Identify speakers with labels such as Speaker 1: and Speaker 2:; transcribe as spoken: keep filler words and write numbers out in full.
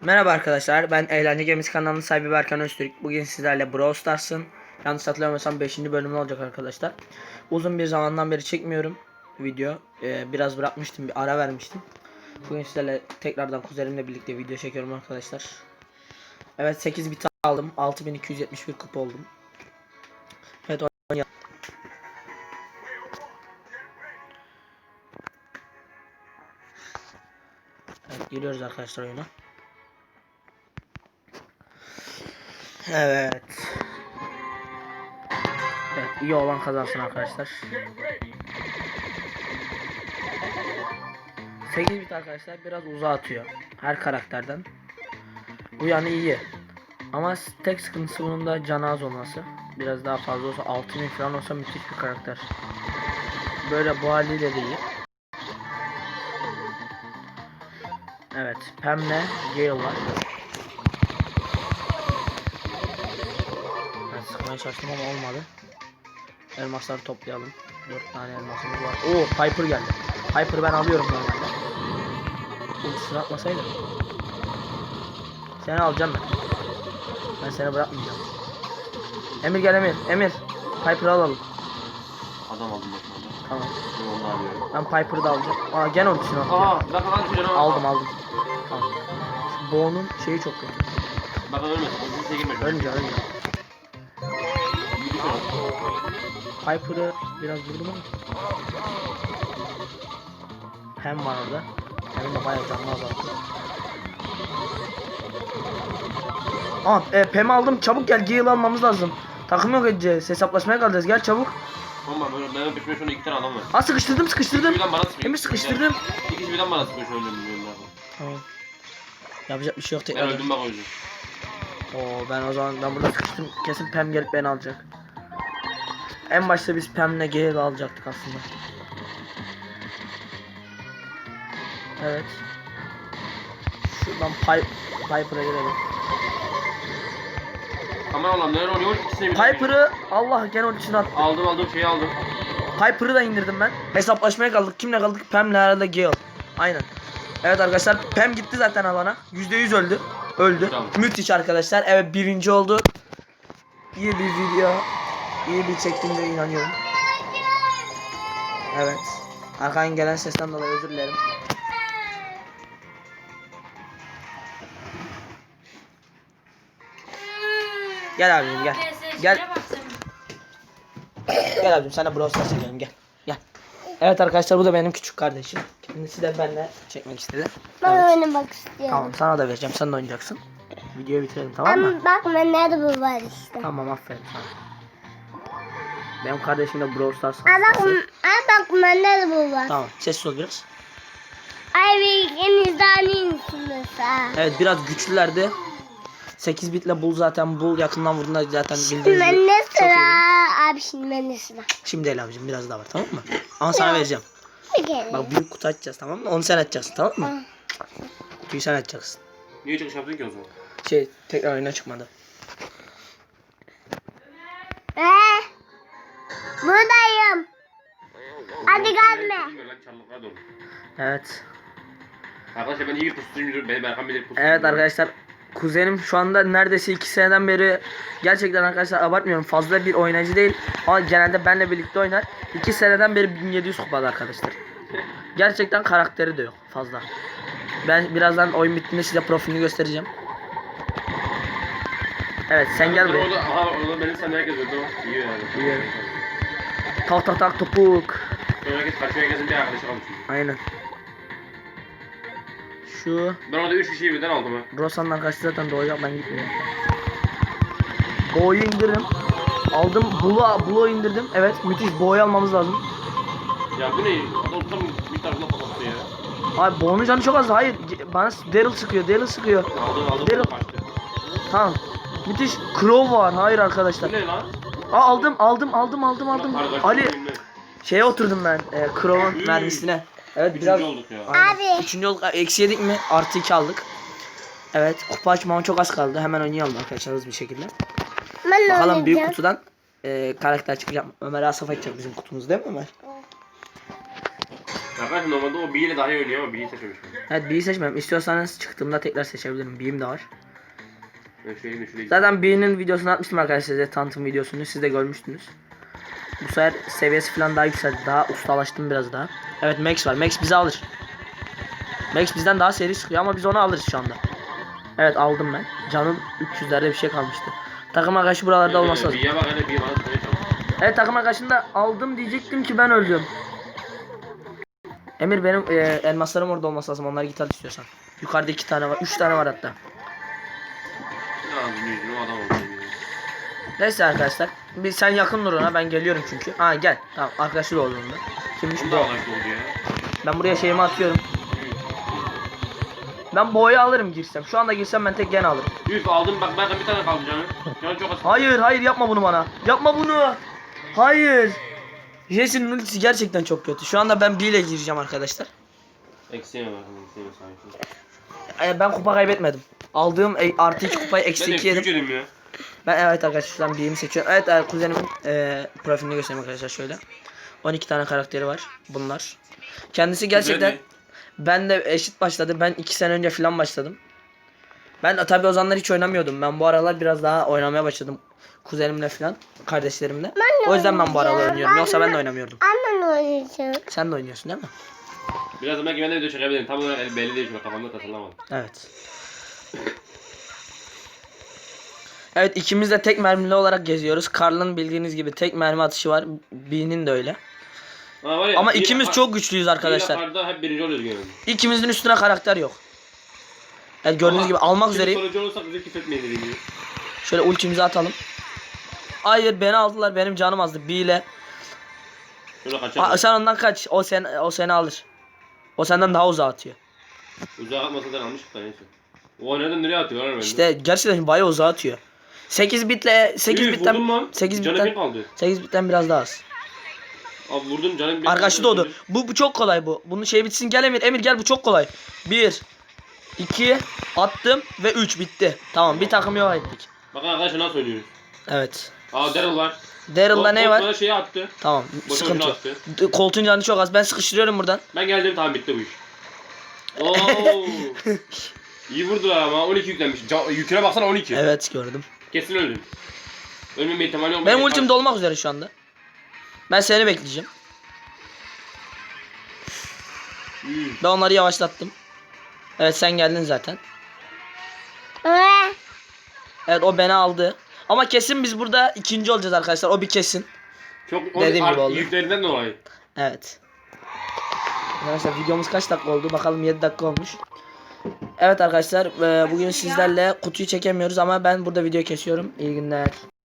Speaker 1: Merhaba arkadaşlar, ben Eğlence Gemisi kanalının sahibi Berkan Öztürk. Bugün sizlerle Brawl Stars'ın yanlış hatırlamıyorsam beşinci bölümü olacak arkadaşlar. Uzun bir zamandan beri çekmiyorum video. Ee, biraz bırakmıştım, bir ara vermiştim. Bugün sizlerle tekrardan kuzenimle birlikte video çekiyorum arkadaşlar. Evet, sekiz bit aldım. altı bin iki yüz yetmiş bir kupa oldum. Evet, oynayalım. Evet, giriyoruz arkadaşlar oyuna. Evet. Evet, iyi olan kazansın arkadaşlar. sekiz bit arkadaşlar biraz uzağa atıyor her karakterden. Bu yani iyi. Ama tek sıkıntısı bunun da canı az olması. Biraz daha fazla olsa altı bin falan olsa müthiş bir karakter. Böyle bu haliyle de iyi. Evet, Pam'le Gale var. Ben sıkmaya çalıştım ama olmadı. Elmasları toplayalım. dört tane elmasımız var. Oo, Piper geldi. Piper'ı ben alıyorum normalde. Ultisini atmasaydım. Seni alacağım ben. Ben seni bırakmayacağım. Emir gel Emir. Emir. Piper'ı alalım.
Speaker 2: Adam aldım bak orada.
Speaker 1: Tamam.
Speaker 2: Ben onu alıyorum.
Speaker 1: Ben Piper'ı da alacağım. Aa, gene ultisini attı.
Speaker 2: Aa, bak lan şu canavar.
Speaker 1: Aldım aldım. Tamam. Şu Bo'nun şeyi çok kötü.
Speaker 2: Bak ölmesin. Ultisine girme.
Speaker 1: Ölünce ölünce.
Speaker 2: Bir düşün.
Speaker 1: Piper'ı biraz vurdum ama. Hem var orada. Hem de bayağı canlı azalttı. Aa, e, Pam'i aldım. Çabuk gel. Gale almamız lazım. Takım yok edeceğiz. Hesaplaşmaya kalacağız. Gel çabuk.
Speaker 2: Tamam ben benim peşime şu an iki tane adam var.
Speaker 1: Aa, sıkıştırdım sıkıştırdım.
Speaker 2: İkisi birden bana sıkıyor.
Speaker 1: Emir sıkıştırdım.
Speaker 2: İkisi birden bana sıkıyor şu an önümden.
Speaker 1: Tamam. Yapacak bir şey yok
Speaker 2: Ben
Speaker 1: tekrar.
Speaker 2: öldüm bak o yüzden.
Speaker 1: Oo, ben o zaman ben burada sıkıştım. Kesin Pam gelip beni alacak. En başta biz Pam'le Gale alacaktık aslında. Evet. Şuradan Pipe, Piper'a girelim.
Speaker 2: Aman Allah'ım neler oluyor? İkisine birden.
Speaker 1: Piper'ı Allah gene onun için attı.
Speaker 2: Aldım aldım şeyi aldım.
Speaker 1: Piper'ı da indirdim ben. Hesaplaşmaya kaldık. Kimle kaldık? Pam'le herhalde Gale. Aynen. Evet arkadaşlar, Pam gitti zaten alana. yüzde yüz öldü. Öldü.
Speaker 2: Tamam.
Speaker 1: Müthiş arkadaşlar. Evet, birinci oldu. İyi bir video. İyi bir çektiğimize inanıyorum. Evet. Arkadan gelen sesten dolayı özür dilerim. Gel abicim gel. Gel. Gel abicim, sana Brawl Stars çekelim, gel. Gel. Evet arkadaşlar, bu da benim küçük kardeşim. Kendisi de benimle çekmek istedi.
Speaker 3: Ben
Speaker 1: Evet.
Speaker 3: oynamak istiyorum.
Speaker 1: Tamam, sana da vereceğim, sen de oynayacaksın. Videoyu bitirelim, tamam mı?
Speaker 3: Ama bak ben nerede bu var işte.
Speaker 1: Tamam, aferin sana. Benim kardeşim de Brawl Stars
Speaker 3: Aa bak,
Speaker 1: hastası.
Speaker 3: aa bak ben nerede bu var.
Speaker 1: Tamam, sessiz ol biraz.
Speaker 3: Ay bir en izleniyim ha.
Speaker 1: Evet, biraz güçlülerdi. sekiz bitle Bull zaten, Bull yakından vurduğunda zaten bildiğiniz gibi
Speaker 3: Ben ne
Speaker 1: çok iyi.
Speaker 3: sıra? Abi şimdi ben ne sıra?
Speaker 1: Şimdi el abicim, biraz daha var, tamam mı? Ama sana
Speaker 3: Ya.
Speaker 1: vereceğim.
Speaker 3: Bir kere.
Speaker 1: Bak, büyük kutu açacağız, tamam mı? Onu sen açacaksın, tamam mı? Kutuyu sen açacaksın.
Speaker 2: Niye çıkış yaptın ki o zaman?
Speaker 1: Şey, tekrar oyuna çıkmadı.
Speaker 3: Ee, buradayım. Hadi gelme.
Speaker 2: Çarlıklar dolu.
Speaker 1: Evet.
Speaker 2: Arkadaşlar ben iyi bir pusucuyum. Beni Berkan bilir pusucuyum.
Speaker 1: Evet arkadaşlar, kuzenim şu anda neredeyse iki seneden beri, gerçekten arkadaşlar abartmıyorum, fazla bir oynayıcı değil ama genelde benle birlikte oynar. iki seneden beri bin yedi yüz kupada arkadaşlar. Gerçekten karakteri de yok fazla. Ben birazdan oyun bittiğinde size profilini göstereceğim. Evet, sen gel buraya.
Speaker 2: Orada, aha orada benim sen herkes öldü o. İyi yani.
Speaker 1: İyi. Tak tak tak topuk.
Speaker 2: Sonra herkes kaçıyor, herkesin bir arkadaşı kalmış.
Speaker 1: Aynen. Şu
Speaker 2: Ben orada üç kişiyi birden aldım ha.
Speaker 1: Rosa'nın arkadaşı zaten doğacak, ben gitmiyorum. Bo'yu indirdim. Aldım. Bull'u Bull'u indirdim. Evet, müthiş. Bo'yu almamız lazım.
Speaker 2: Ya bu ne? Adam tam bir tarafına patlattı ya.
Speaker 1: Abi Bo'nun canı çok az. Hayır. Bana Daryl sıkıyor. Daryl sıkıyor.
Speaker 2: Aldım aldım.
Speaker 1: Daryl.
Speaker 2: Kaçtı.
Speaker 1: Tamam. Müthiş. Crow var. Hayır arkadaşlar.
Speaker 2: Bu ne lan?
Speaker 1: Aa, aldım aldım aldım aldım aldım.
Speaker 2: Bak, kargaşa
Speaker 1: Ali
Speaker 2: oyunlu.
Speaker 1: şeye oturdum ben. E, Crow'un
Speaker 2: Hmm.
Speaker 1: mermisine. Evet,
Speaker 2: Üçüncü
Speaker 1: biraz.
Speaker 2: olduk ya.
Speaker 1: Aynen.
Speaker 3: Abi.
Speaker 1: Üçüncü olduk. Eksi yedik mi? Artı iki aldık. Evet. Kupa açmama çok az kaldı. Hemen oynayalım arkadaşlar, hızlı bir şekilde.
Speaker 3: Ben
Speaker 1: Bakalım büyük
Speaker 3: oynayacağım.
Speaker 1: kutudan e, karakter çıkacak mı? Ömer Asaf açacak bizim kutumuz, değil mi Ömer?
Speaker 2: Arkadaşlar normalde o bir ile daha iyi oynuyor ama B'yi seçmemiş.
Speaker 1: Evet B'yi seçmem. İstiyorsanız çıktığımda tekrar seçebilirim. B'im de var.
Speaker 2: Ben şöyle de şuraya
Speaker 1: Zaten B'nin videosunu atmıştım arkadaşlar size, tanıtım videosunu. Siz de görmüştünüz. Bu sefer seviyesi falan daha yükseldi. Daha ustalaştım biraz daha. Evet Max var. Max bizi alır. Max bizden daha seri sıkıyor ama biz onu alırız şu anda. Evet aldım ben. Canım üç yüzlerde bir şey kalmıştı. Takım arkadaşı buralarda olması lazım.
Speaker 2: B'ye bak hele B'ye bana tutmaya çalış.
Speaker 1: Evet takım arkadaşını da aldım diyecektim ki ben öldüm. Emir benim e, elmaslarım orada olması lazım. Onları git al istiyorsan. Yukarıda iki tane var. Üç tane var hatta.
Speaker 2: Ne yapayım yüzünü o adam oldu.
Speaker 1: Neyse arkadaşlar. Bir sen yakın dur ona, ben geliyorum çünkü. Ha gel. Tamam arkadaşı da oldu onda. Kimmiş
Speaker 2: Bunu
Speaker 1: bu?
Speaker 2: da alak oldu ya.
Speaker 1: Ben buraya şeyimi atıyorum. Ben boyu alırım girsem. Şu anda girsem ben tek gene alırım.
Speaker 2: Üf aldım bak ben bir tane kaldı canım. Canım çok az.
Speaker 1: Hayır hayır yapma bunu bana. Yapma bunu. Hayır. Jesse'nin ultisi gerçekten çok kötü. Şu anda ben B ile gireceğim arkadaşlar.
Speaker 2: Eksiğe bak. Eksiğe sahip.
Speaker 1: Ee, ben kupa kaybetmedim. Aldığım e, artı iki kupayı eksi
Speaker 2: Ben
Speaker 1: iki
Speaker 2: de
Speaker 1: yedim.
Speaker 2: küçük yedim ya.
Speaker 1: Ben evet arkadaşlar şu an B'imi seçiyorum. Evet e, kuzenimin e, profilini göstereyim arkadaşlar şöyle. on iki tane karakteri var bunlar. Kendisi gerçekten
Speaker 2: Güzel
Speaker 1: ben de eşit başladı. Ben iki sene önce falan başladım. Ben de tabii o zamanlar hiç oynamıyordum. Ben bu aralar biraz daha oynamaya başladım. Kuzenimle falan, kardeşlerimle. O yüzden ben bu aralar oynuyorum. Yoksa ben de oynamıyordum.
Speaker 3: Annem oynayacak.
Speaker 1: Sen de oynuyorsun değil mi?
Speaker 2: Biraz da belki ben de video çekebilirim. Tam olarak el- belli değil şu an kafamda tasarlamadım.
Speaker 1: Evet. Evet ikimiz de tek mermili olarak geziyoruz. Karl'ın bildiğiniz gibi tek mermi atışı var. B'nin de öyle.
Speaker 2: Ha, var ya,
Speaker 1: Ama
Speaker 2: bir-
Speaker 1: ikimiz
Speaker 2: ha-
Speaker 1: çok güçlüyüz
Speaker 2: bir
Speaker 1: arkadaşlar.
Speaker 2: yaparda hep birinci oluyoruz genelde.
Speaker 1: İkimizin üstüne karakter yok. Evet gördüğünüz
Speaker 2: Ama
Speaker 1: gibi almak
Speaker 2: şimdi
Speaker 1: üzereyim.
Speaker 2: sonucu olursak bizi küfretmeyin dediğim gibi.
Speaker 1: Şöyle ultimizi atalım. Hayır beni aldılar, benim canım azdı. B ile.
Speaker 2: Şöyle kaçalım.
Speaker 1: Aa, sen ondan kaç. O sen o seni alır. O senden daha uzağa atıyor.
Speaker 2: Uzağa atmasadan almıştık da neyse. O nereden nereye atıyor lan bende?
Speaker 1: İşte gerçekten bayağı uzağa atıyor. sekiz bitle sekiz
Speaker 2: Üf, vurdum
Speaker 1: bitten
Speaker 2: lan.
Speaker 1: sekiz
Speaker 2: Canım bir
Speaker 1: bitten
Speaker 2: kaldı.
Speaker 1: sekiz bitten biraz daha az.
Speaker 2: Abi vurdum canım bir
Speaker 1: Arkadaşı doğdu. Bu, bu çok kolay bu. Bunun şey bitsin, gel Emir. Emir gel, bu çok kolay. bir iki attım ve üç bitti. Tamam bir takım yok ettik.
Speaker 2: Bak arkadaşlar nasıl oynuyoruz.
Speaker 1: Evet.
Speaker 2: Aa Daryl var.
Speaker 1: Daryl'da ne var?
Speaker 2: Bana şeyi attı.
Speaker 1: Tamam
Speaker 2: Boşa
Speaker 1: sıkıntı
Speaker 2: boşuna
Speaker 1: yok.
Speaker 2: attı.
Speaker 1: D- Koltuğun canı çok az. Ben sıkıştırıyorum buradan.
Speaker 2: Ben geldim tamam bitti bu iş. Oo. İyi vurdular ama on iki yüklenmiş. Ca- yüküne baksana on iki.
Speaker 1: Evet gördüm.
Speaker 2: Kesin öldüm. Ölmeme ihtimali yok.
Speaker 1: Benim ultim dolmak üzere şu anda. Ben seni bekleyeceğim.
Speaker 2: Üf.
Speaker 1: Ben onları yavaşlattım. Evet sen geldin zaten.
Speaker 3: Ee,
Speaker 1: Evet o beni aldı. Ama kesin biz burada ikinci olacağız arkadaşlar. O bir kesin.
Speaker 2: Çok o
Speaker 1: Dediğim gibi
Speaker 2: art-
Speaker 1: oldu.
Speaker 2: yüklerinden dolayı.
Speaker 1: Evet. Arkadaşlar videomuz kaç dakika oldu? Bakalım yedi dakika olmuş. Evet arkadaşlar e, bugün sizlerle kutuyu çekemiyoruz ama ben burada video kesiyorum. İyi günler.